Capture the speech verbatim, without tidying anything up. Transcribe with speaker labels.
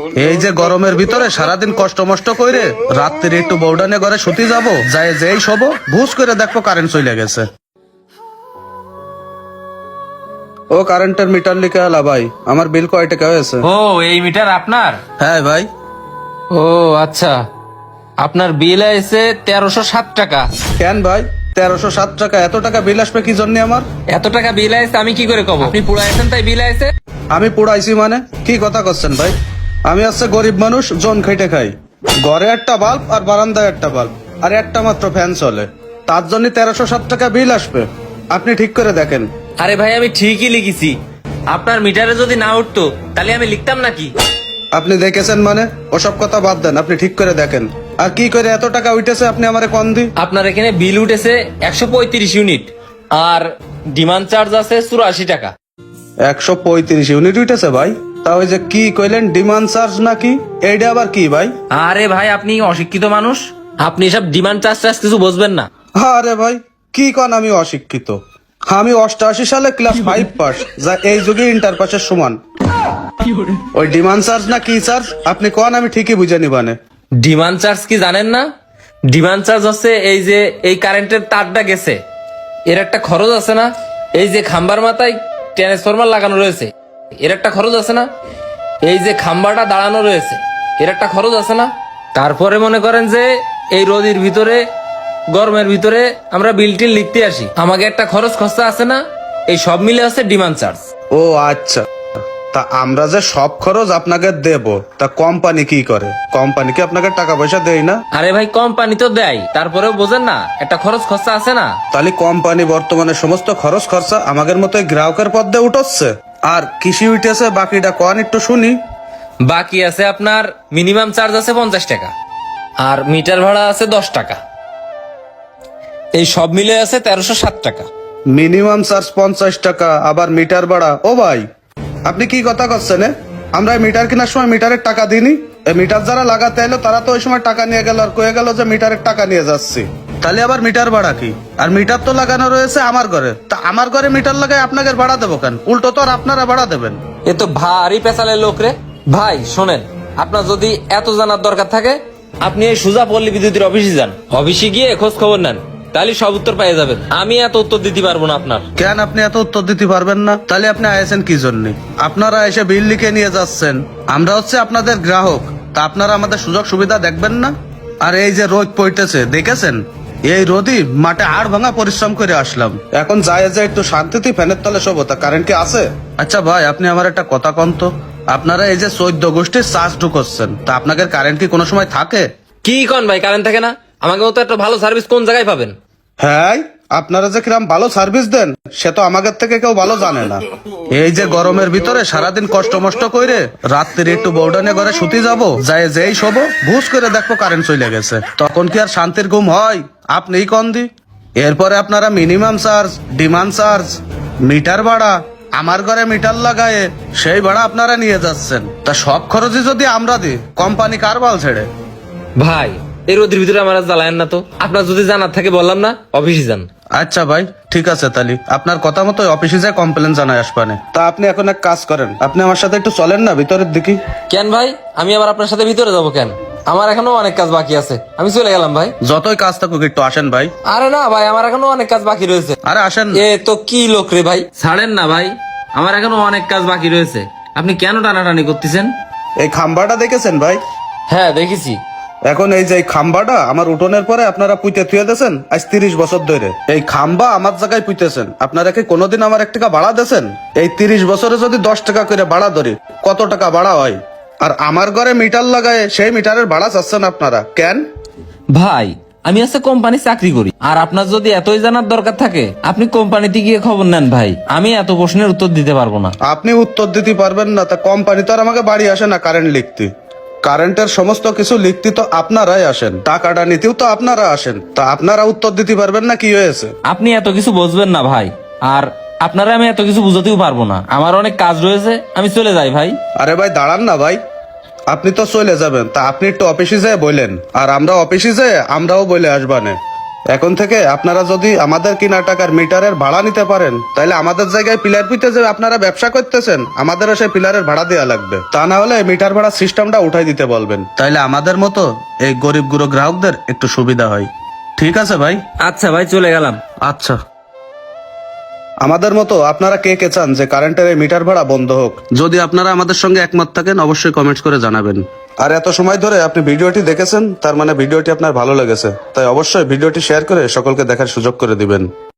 Speaker 1: এই যে গরমের ভিতরে সারাদিন কষ্ট মষ্ট কইরে রাত্রে একটু বউডানে ঘরে শুতে যাব, যায় যেই শোবো ভুস করে দেখবো কারেন্ট চলে গেছে। ও কারেন্টের মিটার লিখে আলা ভাই, আমার বিল কয় টাকা হয়েছে?
Speaker 2: ও এই মিটার আপনার?
Speaker 1: হ্যাঁ ভাই।
Speaker 2: ও আচ্ছা, আপনার বিল আছে তেরোশো সাত টাকা।
Speaker 1: কেন ভাই তেরোশো সাত টাকা? এত টাকা বিল আসবে কি জন্য আমার?
Speaker 2: এত টাকা বিল আছে আমি কি করে কব? আপনি পুরাইছেন তাই বিল আছে।
Speaker 1: আমি পুড়াইছি মানে কি কথা করছেন ভাই? আমি হচ্ছে গরিব মানুষ, জন খেটে খাই। ঘরে একটা বাল্ব আর বারান্দায় একটা বাল্ব আর একটা মাত্র ফ্যান চলে, তার জন্য তেরোশো সাত টাকা বিল আসবে? আপনি ঠিক করে দেখেন।
Speaker 2: আরে ভাই আমি ঠিকই লিখেছি, আপনার মিটারে যদি না উঠতো তাহলে আমি লিখতাম নাকি?
Speaker 1: আপনি দেখেছেন মানে? ওসব কথা বাদ দেন, আপনি ঠিক করে দেখেন। আর কি করে এত টাকা উঠেছে আপনি আমারে কন দি?
Speaker 2: আপনার এখানে বিল উঠেছে একশো পঁয়ত্রিশ ইউনিট আর ডিমান্ড চার্জ আছে চুরাশি টাকা।
Speaker 1: একশো পঁয়ত্রিশ ইউনিট উঠেছে ভাই? তা ওই যে কি কইলেন ডিমান্ড চার্জ নাকি, এইটা আবার কি ভাই?
Speaker 2: আরে ভাই আপনি অশিক্ষিত মানুষ, আপনি সব ডিমান্ড চার্জ টার্জ কিছু বুঝবেন না।
Speaker 1: আরে ভাই কি কন আমি অশিক্ষিত? আমি অষ্টআশি সালে ক্লাস ফাইভ পাস, যা এই যুগে ইন্টার পাসের সমান। ওই ডিমান্ড চার্জ না কি চার্জ আপনি কন, আমি ঠিকই বুঝে নিবানে।
Speaker 2: ডিমান্ড চার্জ কি জানেন না? ডিমান্ড চার্জ হচ্ছে এই যে এই কারেন্টের তারটা গেছে এর একটা খরচ আছে না, এই যে খাম্বার মাথায় ট্রান্সফরমার লাগানো রয়েছে এর একটা খরচ আছে না, এই যে খাম্বাটা দাঁড়ানো রয়েছে এর একটা খরচ আছে না, তারপরে মনে করেন যে এই রোদের ভিতরে গরমের ভিতরে আমরা বিল টিল লিখতে আসি, আমাকে একটা খরচ খরচা আছে না, এই সব মিলে আছে ডিমান্ড চার্জ।
Speaker 1: ও আচ্ছা, তা আমরা যে সব খরচ আপনাকে দেব, তা কোম্পানি কি করে? কোম্পানি কি আপনাকে টাকা পয়সা দেয় না?
Speaker 2: আরে ভাই কোম্পানি তো দেয়, তারপরেও বোঝেন না একটা খরচ খরচা আছে না।
Speaker 1: তাহলে কোম্পানি বর্তমানে সমস্ত খরচ খরচা আমাদের মতো গ্রাহকের পদ্মে উঠছে। আর কৃষি উঠেছে বাকিটা কন একটু শুনি।
Speaker 2: বাকি আছে আপনার মিনিমাম চার্জ আছে পঞ্চাশ টাকা আর মিটার ভাড়া আছে দশ টাকা, এই সব মিলে আছে তেরোশো সাত টাকা।
Speaker 1: মিনিমাম চার্জ পঞ্চাশ টাকা, আবার মিটার ভাড়া? ও ভাই আপনি কি কথা করছেন? এ? আমরা এই মিটার কেনার সময় মিটারের টাকা দিইনি? এই মিটার যারা লাগাতে এলো তারা তো ওই সময় টাকা নিয়ে গেল আর কয়ে গেল যে মিটারের টাকা নিয়ে যাচ্ছি। তাহলে আবার মিটার ভাড়া কি? আর মিটার তো লাগানো রয়েছে আমার ঘরে, তা আমার ঘরে মিটার লাগাই আপনাকে ভাড়া দেবো কেন? উল্টো তো আর আপনারা ভাড়া দেবেন।
Speaker 2: এ তো ভারী পেশালের লোক রে। ভাই শোনেন, আপনার যদি এত জানার দরকার থাকে আপনি এই সুজা পল্লী বিদ্যুতের অফিসে যান, অফিসে গিয়ে খোঁজ খবর নেন, তাহলে সব উত্তর পেয়ে যাবেন। আমি এত উত্তর দিতে পারবো না আপনার।
Speaker 1: কেন আপনি এত উত্তর দিতে পারবেন না? তাহলে আপনি আয়েছেন কি জন্য? আপনারা এসে বিল লিখে নিয়ে যাচ্ছেন, আমরা হচ্ছে আপনাদের গ্রাহক, তা আপনারা আমাদের সুযোগ সুবিধা দেখবেন না? আর এই যে রোদ পড়তেছে দেখেছেন, এই রোদই মাঠে আড় ভাঙা পরিশ্রম করে আসলাম, এখন যায় যায় একটু শান্তিতে ফ্যানের তলে শোবো, তা কারেন্ট কি আছে? আচ্ছা ভাই আপনি আমার একটা কথা কন তো, আপনারা এই যে চোদ্দ গোষ্ঠীর চার্জ ঢুকছেন, তা আপনাদের কারেন্ট কি কোনো সময় থাকে?
Speaker 2: কি কন ভাই, কারেন্ট থাকে না? আমাকে মতো একটা ভালো সার্ভিস কোন জায়গায় পাবেন?
Speaker 1: হ্যাঁ আপনারা যে কিরম ভালো সার্ভিস দেন সে তো আমাদের থেকে কেউ ভালো জানে না। এই যে গরমের ভিতরে সারাদিন কষ্ট মষ্ট কইরে রাত্রে একটু বউডানে ঘরে শুতে যাব, যায় যেই শোবো ভুস করে দেখবো কারেন্ট চলে গেছে, তখন কি আর শান্তির ঘুম হয়? আপনিই কন দি। এরপরে আপনারা minimum charge, demand charge, meter ভাড়া, আমার ঘরে মিটার লাগায় সেই ভাড়া আপনারা নিয়ে যাচ্ছেন, তা সব খরচই যদি আমরা দিই কোম্পানি কার বাল ছেড়ে?
Speaker 2: ভাই এই রোদের ভিতরে আমার জ্বালায়েন না তো, আপনার যদি জানার থাকে বললাম না অফিসে যান।
Speaker 1: আচ্ছা ভাই ঠিক আছে, তাহলে আপনার কথা মতো অফিসে যায় কমপ্লেন জানাই আসবানে। তা আপনি এখন এক কাজ করেন, আপনি আমার সাথে একটু চলেন না ভিতরের দিকে।
Speaker 2: কেন ভাই, আমি আবার আপনার সাথে ভিতরে যাবো কেন? আমার এখনো অনেক কাজ বাকি আছে, আমি চলে গেলাম ভাই।
Speaker 1: যতই কাজ থাকুক একটু আসেন ভাই।
Speaker 2: আরে না ভাই, আমার এখনো অনেক কাজ বাকি রয়েছে।
Speaker 1: আরে আসেন।
Speaker 2: এ তো কি লোক রে ভাই, ছাড়েন না ভাই, আমার এখনো অনেক কাজ বাকি রয়েছে, আপনি কেন টানাটানি করতেছেন?
Speaker 1: এই খাম্বাটা দেখেছেন ভাই?
Speaker 2: হ্যাঁ দেখেছি।
Speaker 1: এখন এই যে এই খাম্বাটা আমার উঠোনের পরে আপনারা পুঁতে থুয়ে দিয়েছেন আজ তিরিশ বছর ধরে, এই খাম্বা আমার জায়গায় পুঁতেছেন, আপনারা কি কোনোদিন আমার এক টাকা ভাড়া দিয়েছেন? এই তিরিশ বছরে যদি দশ টাকা করে ভাড়া ধরি কত টাকা ভাড়া হয়? আর আমার ঘরে মিটার লাগায় সেই মিটারের ভাড়া চাচ্ছেন আপনারা কেন?
Speaker 2: ভাই আমি আছে কোম্পানি চাকরি করি, আর আপনার যদি এতই জানার দরকার থাকে আপনি কোম্পানিতে গিয়ে খবর নেন ভাই, আমি এত প্রশ্নের উত্তর দিতে পারবো না।
Speaker 1: আপনি উত্তর দিতে পারবেন না, তা কোম্পানি তো আর আমাকে বাড়ি আসে না কারেন্ট লিখতে, কারেন্টের সমস্ত কিছু লিখতে তো আপনারাই আসেন, টাকাটা নিতেও তো আপনারা আসেন, তা আপনারা উত্তর দিতে পারবেন না কি হয়েছে?
Speaker 2: আপনি এত কিছু বুঝবেন না ভাই, আর আপনারা আমি এত কিছু বুঝাতেও পারবো না, আমার অনেক কাজ রয়েছে, আমি চলে যাই ভাই।
Speaker 1: আরে ভাই দাঁড়ান না ভাই, আপনি তো চলে যাবেন, তা আপনি একটু অফিসে যেয়ে বললেন, আর আমরা অফিসে যেয়ে আমরাও বলে আসবানে। এখন থেকে আপনারা যদি আমাদের কিনা টাকার মিটারের ভাড়া নিতে পারেন, তাহলে আমাদের জায়গায় পিলার পিতে যে আপনারা ব্যবসা করতেছেন, আমাদেরও সেই পিলারের ভাড়া দেওয়া লাগবে। তা না হলে মিটার ভাড়া সিস্টেমটা উঠাই দিতে বলবেন, তাইলে আমাদের মতো এই গরিব গুরু গ্রাহকদের একটু সুবিধা হয়। ঠিক আছে ভাই?
Speaker 2: আচ্ছা ভাই, চলে গেলাম।
Speaker 1: আচ্ছা। আমাদের মতো আপনারা কে কে চান যে কারেন্টের এই মিটার ভাড়া বন্ধ হোক? যদি আপনারা আমাদের সঙ্গে একমত থাকেন, অবশ্যই কমেন্টস করে জানাবেন। আর এত সময় ধরে আপনি ভিডিওটি দেখেছেন, তার মানে ভিডিওটি আপনার ভালো লেগেছে, তাই অবশ্যই ভিডিওটি শেয়ার করে সকলকে দেখার সুযোগ করে দিবেন।